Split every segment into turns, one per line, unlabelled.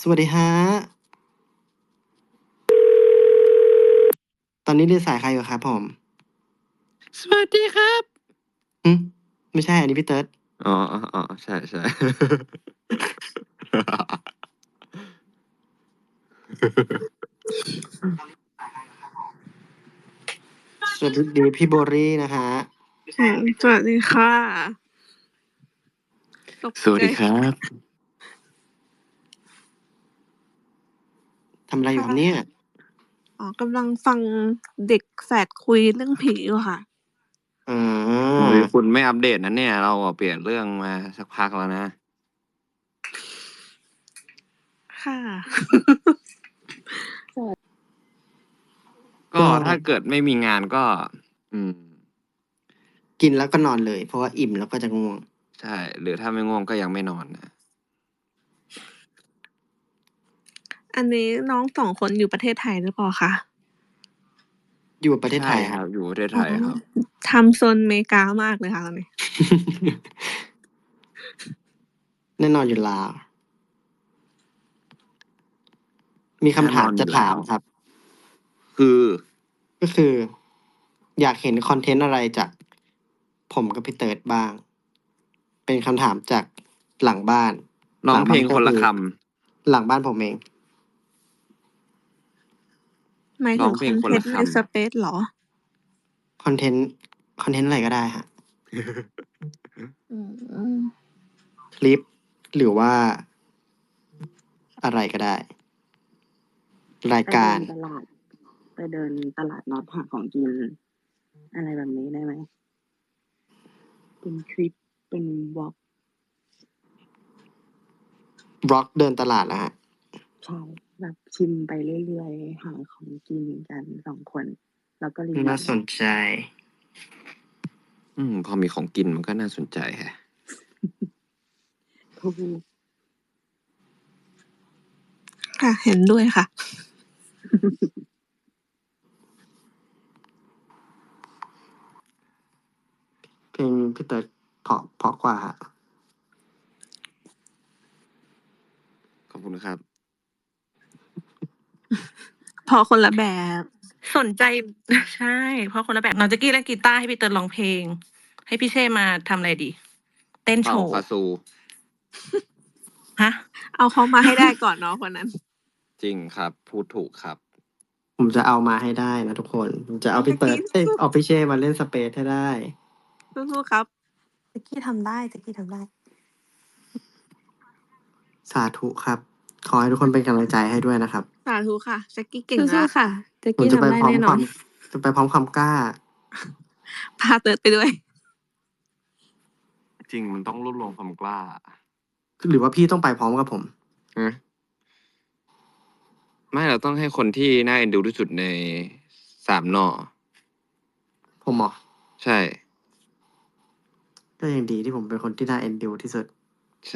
สวัสดีฮะตอนนี้เรียนสายใครอยู่ครับผม
สวัสดีครับ
ไม่ใช่อันนี้พี่เติร์ด
อ๋อใช่ใช่
สวัสดีพี่โบรี่นะฮะ
สวัสดีค่ะ
สวัสดีครับ
ทำอะไรอยู่ครับเนี่ย
กำลังฟังเด็กแฝดคุยเรื่องผีอยู่ค่ะ
โอ้ยคุณไม่อัปเดตนะเนี่ย เราเปลี่ยนเรื่องมาสักพักแล้วนะ
ค่ะ
ก็ถ้าเกิดไม่มีงานก็
กินแล้วก็นอนเลย เพราะว่าอิ่มแล้วก็จะง่วง
ใช่ หรือถ้าไม่ง่วงก็ยังไม่นอนนะ
อันนี้น้อง2 คนอยู่ประเทศไทยหรือเปล่าคะ
อยู่ประเทศไทย
ใช่
ค
ค
รั
รับ อยู่ประเทศไทยครับ
ทำโซนอเมริกามากเลยค่ะตอนนี้
แน่นอนอยู่แล้วมีคำถามจะถามครับ ก็คือ อยากเห็นคอนเทนต์อะไรจากผมกับพี่เติร์ดบ้าง เป็นคำถามจากหลังบ้าน
ร้องเพลงคนละค
หลังบ้านผมเอง
หมาย
ร้
ถึ
อง งเพ
ค
ล
อง น
คน
เทน
ละ
ต์
ค
ในสเปซเหรอ
คอนเทนต์อะไรก็ได้ฮะ
อืม
คลิป หรือว่า อะไรก็ได้ รายการ
ไปเดินตลาดนัดหาของกิน อะไรแบบนี้ได้ไหม เป็นคลิป เป็นวอล์ก
บล็อกเดินตลาดเหรอฮะ?
ใช่ แบบชิมไปเรื่อย ๆ หาของกินกัน 2 คน แล้วก็รีวิว
น่าสนใจ
พอมีของกินมันก็น่าสนใจแฮะ
ถูก
ค่ะ เห็นด้วยค่ะ
เพลงพี่เติร์ดเพราะกว่าฮะ
ขอบคุณครับ
เพราะคนละแบบ
สนใจ ใช่ เพราะคนละแบบ น้องแจ๊กกี้เล่นกีตาร์ ให้พี่เติร์ดร้องเพลง ให้พี่เช่มาทำอะไรดี เต้นโช
เป่า
ว์
คาซู
ฮะ?
เอาเขามาให้ได้ก่อนเนาะคนนั้น
จริงครับ พูดถูกครับ
ผมจะเอามาให้ได้นะทุกคน ผมจะเอาพี่เติร์ด เอาพี่เช่มาเล่นสเปซให้ได้
สู้ๆครับ
แจ๊กกี้ทำได้ แจ๊กกี้ทำได้
สาธุครับ ขอให้ทุกคนเป็นกำลังใจให้ด้วยนะครับ
สาธุค่ะ แจ๊กกี้เก่งแล้
สู้
ว
ๆ ค่ะ แจ๊ก
ผม
กี้
จะ
ทำ
ไป
ได้
พร้อม
แน่น
ค
อ
วาน ม จะไปพร้อมความกล้า
พาเติร์ดไปด้วย
จริง มันต้องรวบรวมความกล้า
หรือว่าพี่ต้องไปพร้อมกับผม?
ฮะ ไม่ เราต้องให้คนที่น่าเอ็นดูที่สุดใน 3 น.
ผมเหรอ?
ใช่
ก็ยังดีที่ผมเป็นคนที่น่าเอ็นดูที่สุด
ใช่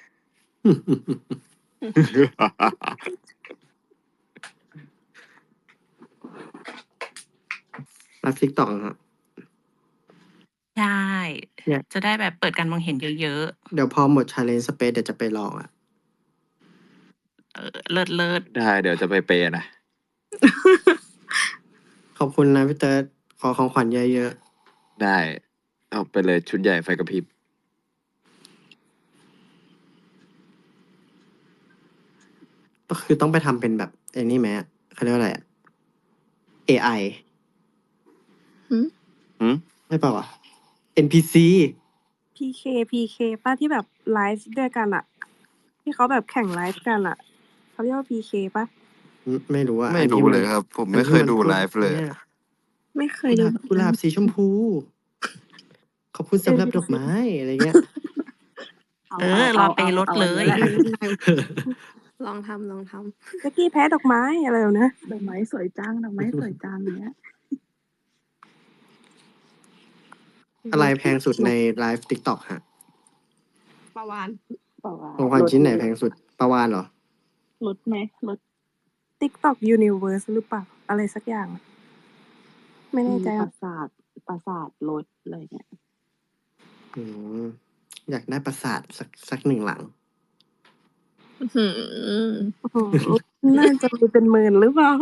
ไลฟ์ TikTok เหรอครับ?
ใช่
เนี่ย
จะได้แบบเปิดการมองเห็นเยอะ ๆ
เดี๋ยวพอหมด challenge สเปซเดี๋ยวจะไปลองอะ
เลิศ ๆ
ได้ เดี๋ยวจะไปเปย์นะ
ขอบคุณนะพี่เติร์ด ขอของขวัญเยอะ ๆ
ได้ เอาไปเลยชุดใหญ่ไฟกระพริบ
ก็คือต้องไปทำเป็นแบบไอ้นี่ไหมอะ เขาเรียกว่าอะไรอะ เอไอ
หือ?
หือ?
ใช่เปล่าวะ? NPC
PK เปล่า? ที่แบบไลฟ์ด้วยกันอะ ที่เขาแบบแข่งไลฟ์กันอะ เขาเรียกว่า PK เปล่า?
ไม่รู้อะ
ไม่
อัน
รู
ที่
้
มัน
เลยครับ ผม
อัน
ไม่
ที
เค่ ย
มัน
ดู
พูด
ไลฟ์เลย
เนี่ย
ไม่เค
กุ
ย
ห
ดู
ลาบ กุหลาบสีชมพู ขอบคุณสำหรับดอกไม้ อะไรเงี้ย
รอเปย์รถเลย
ลองทำ แจ๊กกี้แพ้ดอกไม้ อะไรแบบเนี้ย
ดอกไม้สวยจัง ดอกไม้สวยจัง อย่างเงี้ย
อะไรแพงสุดในไลฟ์ TikTok ครับ?
ปลาวาฬ
ปลาวาฬ
ของขวัญชิ้นไหนแพงสุด ปลาวาฬเหรอ?
รถไหม? รถ
TikTok Universe หรือเปล่า? อะไรสักอย่างอะ ไม่แน่ใจ
ป
อะ
ปราสาทรถ อะไรเงี้ย
อยากได้ปราสาทสัก 1 หลัง
อื้อหือ
โอ้โหน่าจะมีเป็นหมื่นหรือเปล่า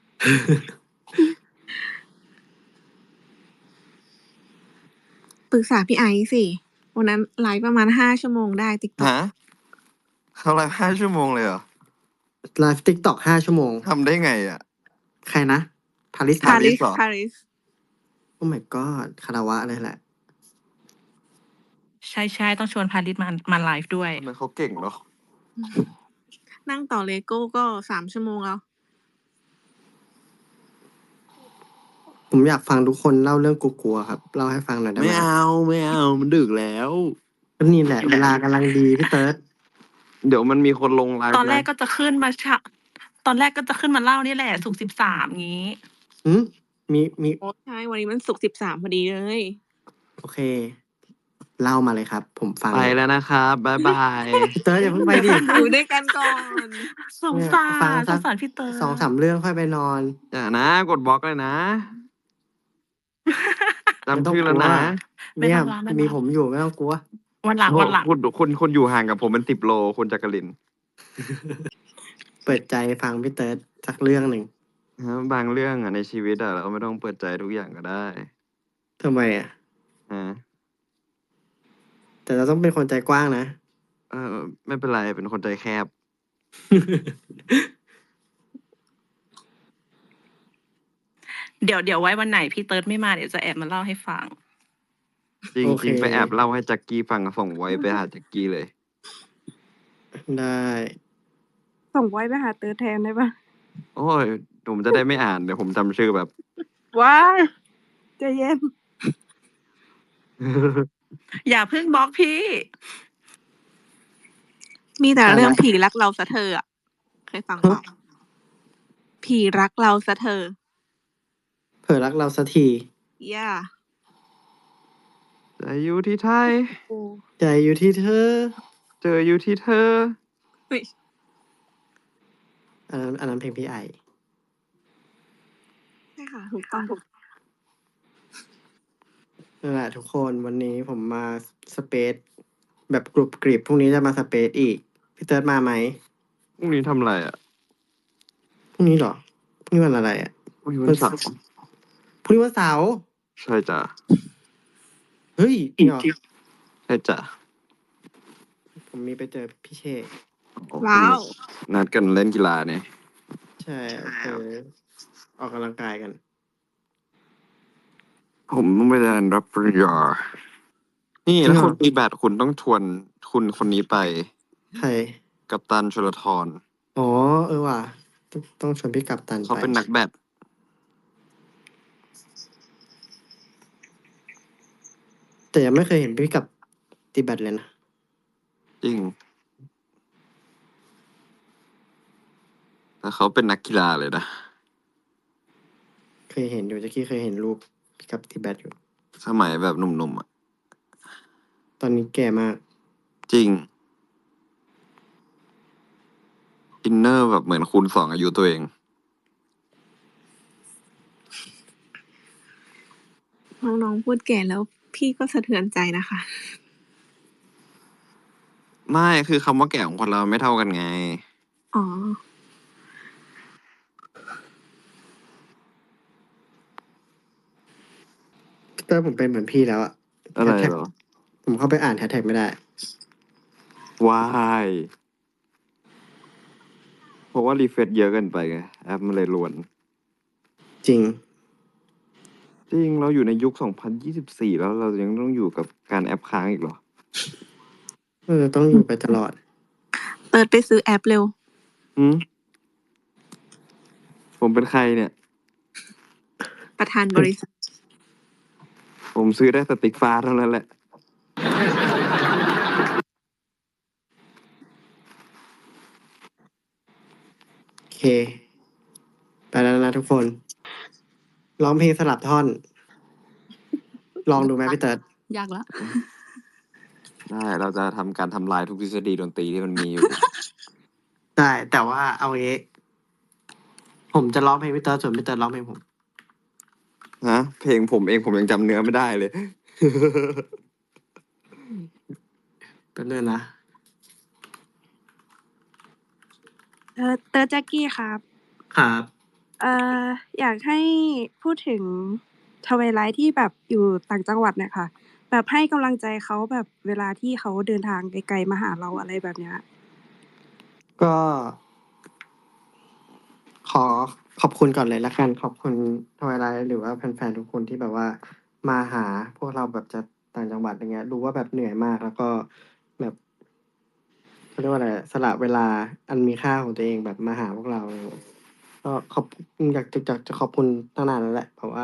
ปรึกษาพี่ไอซ์สิ วันนั้นไลฟ์ประมาณ5 ชั่วโมงได้ TikTok
ฮะเขาไลฟ์5 ชั่วโมงเลยเหรอ
ไลฟ์ติ๊กต็อก5 ชั่วโมง
ทำได้ไงอ่ะ
ใครนะพาริส
พาริสเหรอ
ปาริส
โอ้ my god คารวะเลยแหละ
ใช่ๆต้องชวนพาริสมาไลฟ์ด้วย
ทำไมเขาเก่งเนาะ
นั่งต่อเลโก้ก็3 ชั่วโมงแล้ว
ผมอยากฟังทุกคนเล่าเรื่องกลัวๆครับ เล่าให้ฟังหน่อยได้ไหม
ไม่เอามันดึกแล้ว
ก็นี่แหละเวลากำลังดีพี่เติร์ด
เดี๋ยวมันมีคนลงไลฟ์
ตอนแรก
ะ
ก็จะขึ้นมาตอนแรกก็จะขึ้นมาเล่านี่แหละศุกร์13งี้
หืมมี
ใช่ วันนี้มันศุกร์13 พอดีเลย
โอเค เล่ามาเลยครับ ผมฟัง
ไปแล้วนะครับบ๊ายบาย
พี่เติร์ดอย่าเพิ่งไปดิ
อยู่ด้วยกันก่อน
สง
เนี่ย
สาร
ฟัง
ส
สัก
งสารพี่เตย
2-3 เรื่องค่อยไปนอน
อย่านะกดบล็อกเลยนะ
ไม่ต้
จำ
อง
ชื่อก แล้ว
ลัว
นะ
ไม่
เนี่ย
ต้องละไม่ต้องละ
มีผมอยู่ไม่ต้องกลัว
วันหลัง
คุณอยู่ห่างกับผมเป็น10 โลคุณจักริน
เปิดใจฟังพี่เติร์ดสักเรื่องหนึ่ง
บางเรื่องอ่ะในชีวิตอ่ะเราก็ไม่ต้องเปิดใจทุกอย่างก็ได้
ทำไมอ่ะ
ฮะ
แต่เราต้องเป็นคนใจกว้างนะ
ไม่เป็นไรเป็นคนใจแคบ
เดี๋ยวไว้วันไหนพี่เติร์ดไม่มาเดี๋ยวจะแอบมาเล่าให้ฟัง
จริง
โอเค
จริงไปแอบเล่าให้แจ็คกี้ฟังส่งไว้ไปหาแจ็คกี้เลย
ได้
ส่งไว้ไปหาเตอร์แทนได้ปะ
โอ้ยผมจะได้ไม่อ่านเดี๋ยวผมจำชื่อแบบ
ว้ายใจเย็น
อย่าเพิ่งบล็อกพี่
มีแต่เรื่องผีรักเราซะเธออะเคยฟังเปล่าผีรักเราซะเธอ
เผลอรักเราสักที
ย่า
จะอยู่ที่ไทย
โอ้
ใจอยู่ที่เธอ
เจออยู่ที่เธอ
เฮ้ย
อันนั้นเพลงพี่ไอ
ใช่ค่ะ ถูกต้อง
นั่นแหละทุกคนวันนี้ผมมาสเปซแบบกรุบกริบพรุ่งนี้จะมาสเปซอีก พี่เติร์ดมาไหม
พรุ่งนี้ทำอะไรอ่ะ
พรุ่งนี้เหรอพรุ่งนี้วันอะไรอ่ะ
พรุ่งนี้วันเสาร์
พรุ่งนี้วันเสาร์
ใช่จ้ะ
เฮ้ยจริงเหรอ
ใช่จ้ะ
ผมมีไปเจอพี่เชษ
ว้าว
นัดกันเล่นกีฬาเนี่ย
ใช่ออกกำลังกายกัน
ผมต้องไปเรียนรับปริญญา นี่
จริงเหรอ
ถ้าคุณตีแบดคุณต้องชวนคุณคนนี้ไป
ใคร
กัปตันชลธร
อ๋อว่ะต้องชวนพี่กัปตัน
เขา
ไป
เป็นนักแบด
แต่ยังไม่เคยเห็นพี่กับตีแบตเลยนะ
จริง แต่เขาเป็นนักกีฬาเลยนะ
เคยเห็นอยู่ตะกี้เคยเห็นรูปพี่กับตีแบตอยู่
สมัยแบบหนุ่มๆอ่ะ
ตอนนี้แก่มาก
จริง อินเนอร์แบบเหมือนคูณ 2 อายุตัวเอง
น้องๆพูดแก่แล้วพี่ก็สะเทือนใจนะคะ
ไม่คือคำว่าแก่ของคนเราไม่เท่ากันไง
อ๋อ
พี่เตอร์ผมเป็นเหมือนพี่แล้วอะ
อะไร
แฮชแท็ก
เหรอ
ผมเข้าไปอ่านแฮชแท็กไม่ได้
วายเพราะว่ารีเฟรชเยอะเกินไปไงแอปมันเลยรวน
จริง
จริงเราอยู่ในยุค 2024 แล้วเรายังต้องอยู่กับการแอปค้างอีกเหรอ
ต้องอยู่ไปตลอด
เติร์ดไปซื้อแอปเร็ว
หืมผมเป็นใครเนี่ย
ประธานบริษัท
ผมซื้อได้สติ๊กฟ้าเท่านั้นแหละ
โอเค ไปแล้วนะทุกคน ร้องเพลงสลับท่อน ลองดูไหมพี่เติร์ด
ยากละ
ได้เราจะทำการทำลายทุกทฤษฎีดนตรีที่มันมีอยู่
ได้ แต่ว่าเอางี้ผมจะร้องเพลงพี่เติร์ดส่วนพี่เติร์ดร้องเพลงผม
ฮะ เพลงผมเองผมยังจำเนื้อไม่ได้เลย
เป็นเรื่องนะ
เตอร์แจ็กกี้ครับ
ครับ
เอ่ออยากให้พูดถึงทวายไลท์ที่แบบอยู่ต่างจังหวัดเนี่ยค่ะ แบบให้กำลังใจเขาแบบเวลาที่เขาเดินทางไกลๆมาหาเราอะไรแบบเนี้ย
ก็ขอขอบคุณก่อนเลยละกัน ขอบคุณทวายไลท์หรือว่าแฟนๆทุกคนที่แบบว่ามาหาพวกเราแบบจากต่างจังหวัดอย่างเงี้ยรู้ว่าแบบเหนื่อยมากแล้วก็แบบเขาเรียกว่าอะไรสละเวลาอันมีค่าของตัวเองแบบมาหาพวกเราอะไรเงี้ยก็อยากจะขอบคุณตั้งนานแล้วแหละเพราะว่า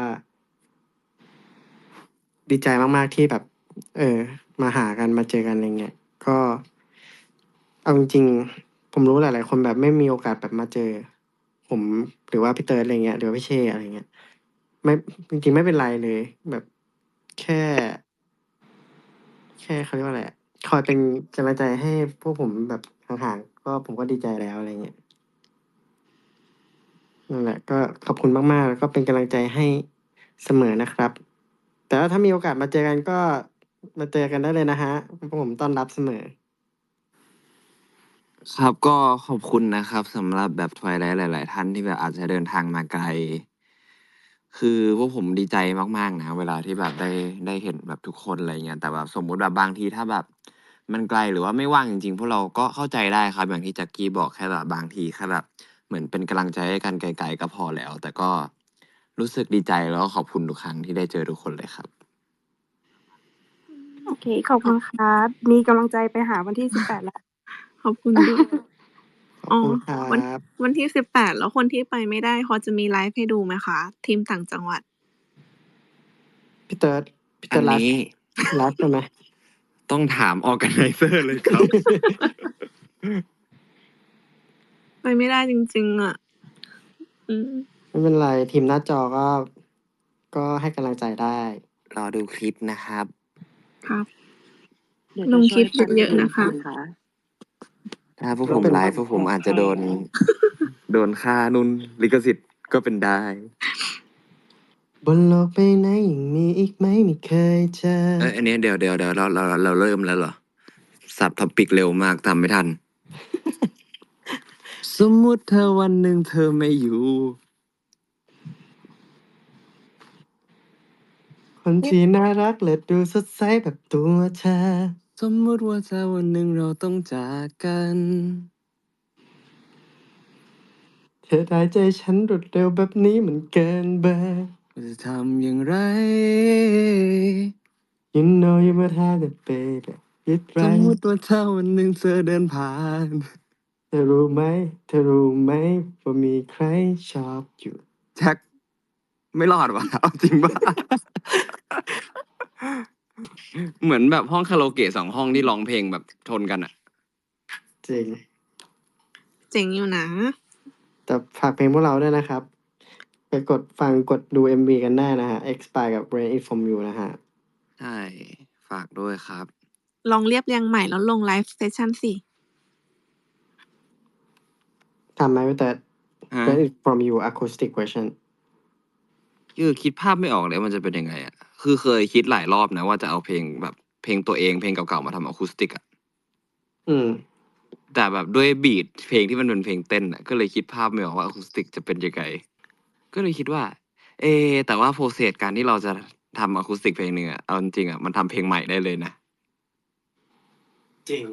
ดีใจมากๆที่แบบ มาหากันมาเจอกันอะไรเงี้ยก็เอาจริงๆผมรู้หลายๆคนแบบไม่มีโอกาสแบบมาเจอ ผมหรือว่าพี่เติร์ดอะไรเงี้ยหรือว่าพี่เชอะไรเงี้ยไม่จริงๆไม่เป็นไรเลย แบบแค่เขาเรียกว่าอะไรอะคอยเป็นกำลังใจให้พวกผมแบบห่างๆก็ผมก็ดีใจแล้วอะไรเงี้ยนั่นแหละก็ขอบคุณมากๆแล้วก็เป็นกำลังใจให้เสมอนะครับ แต่ว่าถ้ามีโอกาสมาเจอกันก็มาเจอกันได้เลยนะฮะผมต้อนรับเสมอ
ครับก็ขอบคุณนะครับสำหรับแบบทวายไลท์หลาย ๆ ท่านที่แบบอาจจะเดินทางมาไกล คือพวกผมดีใจมาก ๆ นะ เวลาที่แบบได้เห็นแบบทุกคนอะไรเงี้ยแต่แบบสมมุติแบบบางทีถ้าแบบมันไกลหรือว่าไม่ว่างจริง ๆ พวกเราก็เข้าใจได้ครับ อย่างที่แจ็คกี้บอกแค่แบบบางทีแค่แบบเหมือนเป็นกำลังใจให้กันไกล ๆ ก็พอแล้ว แต่ก็รู้สึกดีใจแล้วก็ขอบคุณทุกครั้งที่ได้เจอทุกคนเลยครับ
โอเค ขอบคุณครับ มีกำลังใจไปหาวันที่ 18 แล้ว
ขอบคุณด้วย
ขอบ
อ๋อ
คุณครั
วัน
บ
วันที่ 18 แล้วคนที่ไปไม่ได้พอจะมีไลฟ์ให้ดูไหมคะ ทีมต่างจังหวัด
พี่เติร์ด
อัน
ไล
นี้
ฟ์ใช่ไหม
ต้องถาม Organizer เลยครับ
ไปไม่ได้จริง ๆ อะ อืม
ไม่เป็นไรทีมหน้าจอก็ให้กำลังใจได้
รอดูคลิปนะครับ
ครับ
เดี๋ยว
ล
จะ
ง
ช่
คว ลิ
ย
ป
ปั้น
เยอะ
เพล
ๆ
ง
นะคะ
ค่ะ
ถ้าพวก
แล้
ผ
ว
ม
เป็น
ไลฟ์พวกผมอาจจะโดน โดนค่านู่นลิขสิทธิ์ก็เป็นได้
บนโลกใบนี้ยังมีอีกไหมไม่เคยเจอ
เอ้ย อันนี้เดี๋ยวเราเริ่มแล้วเหรอ? สับ topic เร็วมากตามไม่ทัน สมมุติถ้าวันหนึ่งเธอไม่อยู่
คนที่น่ารักและดูสดใสแบบตัวเธอ
สมมุติว่าถ้าวันหนึ่งเราต้องจากกัน
เธอได้ใจฉันรวดเร็วแบบนี้มันเกินเบอร์
จะทำอย่างไร?
You know you might have it baby คิดไร
สมมุติว่าถ้าวันหนึ่งเธอเดินผ่าน
เธอรู้ไหมว่ามีใครชอบอยู่
แจ็ค ไม่รอดว่ะ เอาจริงเปล่า? เหมือนแบบห้องคาราโอเกะ 2 ห้องที่ร้องเพลงแบบชนกันอะ
จริง
เจ๋งอยู่นะ
แต่ฝากเพลงพวกเราด้วยนะครับ ไปกดฟังกดดู MV กันได้นะฮะ Expire กับ Rain It From You นะฮะ
ใช่ ฝากด้วยครับ
ลองเรียบเรียงใหม่แล้วลงไลฟ์เซสชันสิ
ทำไหมพี่เติร์ด
ฮะ?
Rain It From You Acoustic Version
คือคิดภาพไม่ออกเลยว่ามันจะเป็นยังไงอะ คือเคยคิดหลายรอบนะว่าจะเอาเพลงแบบเพลงตัวเอง เพลงเก่าๆ มาทำอะคูสติกอะ
อืม
แต่แบบด้วยบีตเพลงที่มันเป็นเพลงเต้นน่ะ ก็เลยคิดภาพไม่ออกว่าอะคูสติกจะเป็นยังไง ก็เลยคิดว่า เอ๊ แต่ว่า process การที่เราจะทำอะคูสติกเพลงหนึ่งอะ เอาจริงๆอะมันทำเพลงใหม่ได้เลยนะ
จริง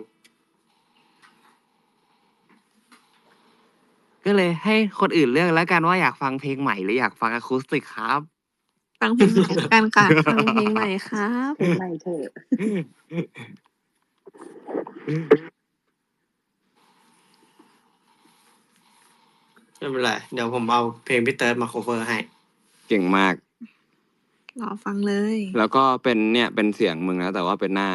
ก็เลยให้คนอื่นเลือกแล้วกันว่าอยากฟังเพลงใหม่หรืออยากฟังอะคูสติกครับ
ฟังเพลงใหม่แล้วกันค่ะ
ฟังเพลงใหม่ครับ
เพลงใหม่เถอะ
ไม่เป็นไร เดี๋ยวผมเอาเพลงพี่เติร์ดมา คัฟเวอร์ ให้
เก่งมาก
รอฟังเลย
แล้วก็เป็นเนี่ย เป็นเสียงมึงนะ แต่ว่าเป็นหน้า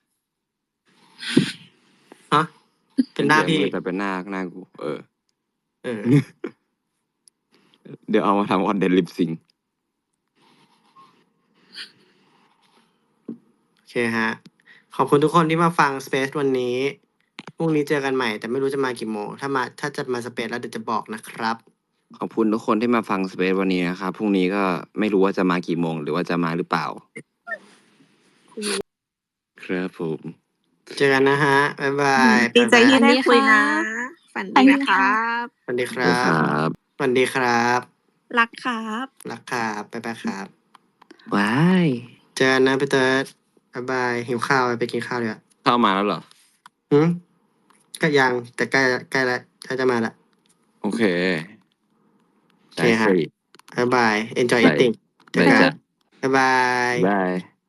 ฮะ เป็นหน้า
เป็นเสียง
พี่
มึงแต่เป็นหน้ากู เออ
เออ
เดี๋ยวเอามาทำ content lip sync
โอเคครับ ขอบคุณทุกคนที่มาฟัง Space วันนี้ พรุ่งนี้เจอกันใหม่ แต่ไม่รู้จะมากี่โมง ถ้าจะมา Space แล้วเดี๋ยวจะบอกนะครับ
ขอบคุณทุกคนที่มาฟัง Space วันนี้นะครับ พรุ่งนี้ก็ไม่รู้ว่าจะมากี่โมง หรือว่าจะมาหรือเปล่า ครับผม
เจอกันนะฮะ บ๊ายบาย
ดีใจที่
บ๊ายบาย
ได้คุยนะ
สวัสดีครับ
ฝันฝันดีนะครับ
สวัสดีค
เดี๋
รั
ยวค
บ
รับ
สวัสดีครับ
รักครับ
รักครับบ๊ายบายครับ
ว้าย
เจอกันนะพี่เติร์ดบ๊ายบายหิวข้าวไปกินข้าวเลยอ่ะ
เข้ามาแล้วเหรอ
ก็ยังแต่ใกล้แล้วใกล้จะมาละ
โอเค
โอเคฮะ
ได้สิ
บ๊ายบาย enjoy
ได้
eating เจอ
ได้
กัน
จ้ะ
บ๊ายบาย
บาย